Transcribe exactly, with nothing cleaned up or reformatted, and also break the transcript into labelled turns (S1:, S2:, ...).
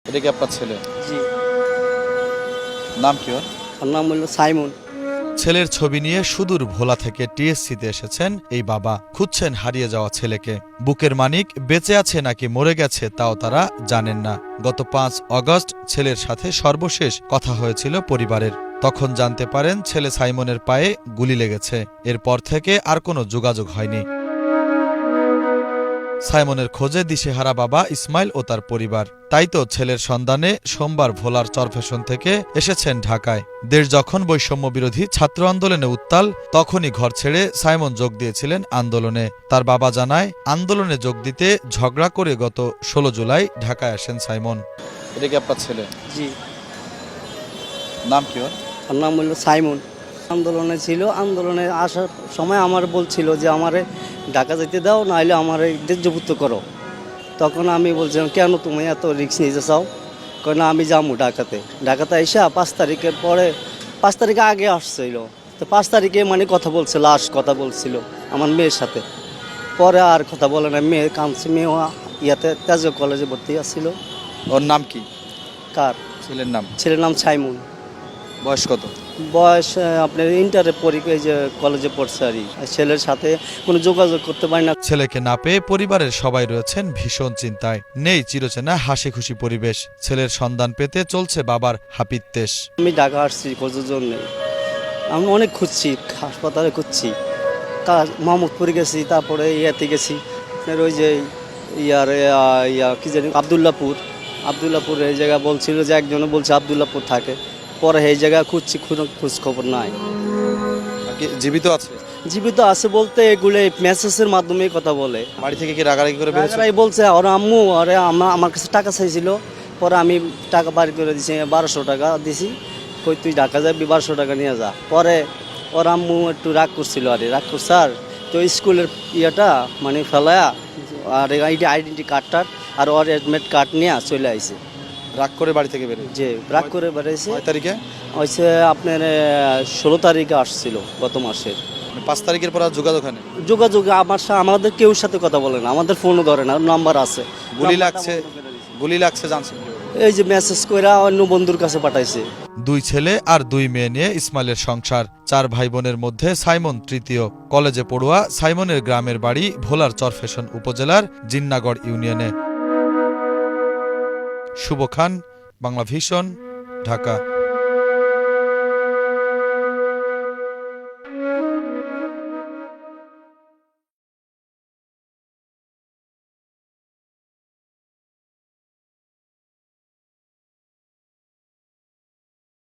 S1: এটা কি আপনার ছেলে?
S2: জি।
S1: নাম কি ওর?
S2: ওর নাম হলো সাইমন।
S3: ছেলের ছবি নিয়ে সুদূর ভোলা থেকে টিএসসিতে এসেছেন এই বাবা। খুঁজছেন হারিয়ে যাওয়া ছেলেকে। বুকের মানিক বেঁচে আছে নাকি মরে গেছে তাও তারা জানেন না। গত পাঁচ অগস্ট ছেলের সাথে সর্বশেষ কথা হয়েছিল পরিবারের। তখন জানতে পারেন ছেলে সাইমনের পায়ে গুলি লেগেছে। এরপর থেকে আর কোনো যোগাযোগ হয়নি। সাইমনের খোঁজে দিশেহারা বাবা ইসমাইল ও তার পরিবার। তাই তো ছেলের সন্ধানে সোমবার ভোলার চরফ্যাশন থেকে এসেছেন ঢাকায়। দেশ যখন বৈষম্য বিরোধী ছাত্র আন্দোলনে উত্তাল, তখনই ঘর ছেড়ে সাইমন যোগ দিয়েছিলেন আন্দোলনে। তার বাবা জানায়, আন্দোলনে যোগ দিতে ঝগড়া করে গত ষোলো জুলাই ঢাকায় আসেন সাইমন।
S1: এটা কি আপনার ছেলে?
S2: জি।
S1: নাম কি ওর?
S2: ওর নাম হলো সাইমন। আন্দোলনে ছিল, আন্দোলনে আসার সময় আমার বলছিল যে আমারে ঢাকা যেতে দাও, নাহলে আমার দেশযুক্ত করো। তখন আমি বলছিলাম, কেন তুমি এত রিস্ক নিতে চাও? কেন আমি যাবো ঢাকাতে। ঢাকাতে এসে পাঁচ তারিখের পরে, পাঁচ তারিখে আগে আসছিল, তো পাঁচ তারিখে মানে কথা বলছিল, লাস্ট কথা বলছিল আমার মেয়ের সাথে। পরে আর কথা বলে না, মেয়ে কাঁদছে। মেয়ে ইয়াতে তেজগাঁও কলেজে ভর্তি আসছিল।
S1: ওর নাম কি?
S2: কার?
S1: ছেলের নাম।
S2: ছেলের নাম সাইমন।
S1: বয়স কত?
S2: বয়স আপনার ইন্টারে পরীক্ষায় যে কলেজে পড়ছে আর কি। ছেলের সাথে কোনো যোগাযোগ করতে পারি না।
S3: ছেলেকে না পেয়ে পরিবারের সবাই রয়েছেন ভীষণ চিন্তায়। নেই চিরচেনা হাসি খুশি পরিবেশ। ছেলের সন্ধান পেতে চলছে বাবার হাপিত্যেশ।
S2: আমি ঢাকা আসছি খোঁজার জন্য। আমি অনেক খুঁজছি, হাসপাতালে খুঁজছি, তা মোহাম্মদপুরে গেছি, তারপরে ইয়াতে গেছি আপনার ওই যে ইয়ার ইয়া কী জানি আবদুল্লাপুর। আবদুল্লাপুর এই জায়গা বলছিল যে একজনে বলছে আবদুল্লাপুর থাকে। পরে এই জায়গা খুঁজছি, কোনো খোঁজ খবর নাই।
S1: আর কি জীবিত আছে?
S2: জীবিত আছে বলতে এগুলো মেসেজের মাধ্যমে কথা বলে।
S1: বাড়ি থেকে কি রাগারাগি করে বেরোছে?
S2: রাগারাগি বলছে ওর আম্মু, আরে আমা আমার কাছে টাকা চাইছিল। পরে আমি টাকা বাড়ি করে দিছি, বারোশো টাকা দিছি। কই তুই ঢাকা যাবি, বারোশো টাকা নিয়ে যা। পরে ওর আম্মু একটু রাগ করছিল, আরে রাগ করছে আর তো স্কুলের ইয়েটা মানে ফেলায়া আর এইটা আইডেন্টি কার্ডটার আর ওর অ্যাডমিট কার্ড নিয়ে চলে আইছে।
S1: রাগ করে বাড়ি থেকে বেরোয়?
S2: যে রাগ করে বেড়াইছে।
S1: কয় তারিখে?
S2: হয়েছে আপনার ষোলো তারিখে আসছিল গত মাসের।
S1: পাঁচ তারিখের পর আর যোগাযোগ হয়নি?
S2: যোগাযোগ আমার সাথে আমাদের কেউ সাথে কথা বলে না, আমাদের ফোনও ধরে না, নাম্বার আছে।
S1: গুলি লাগছে, গুলি লাগছে জানছেন কিভাবে?
S2: এই যে মেসেজ করে অন্য বন্ধুর কাছে পাঠাইছে।
S3: দুই ছেলে আর দুই মেয়ে নিয়ে ইসমাইলের সংসার। চার ভাই বোনের মধ্যে সাইমন তৃতীয়। কলেজে পড়ুয়া সাইমনের গ্রামের বাড়ি ভোলার চরফ্যাশন উপজেলার জিন্নাগড় ইউনিয়নে। শুভ খান, বাংলা ভিশন, ঢাকা।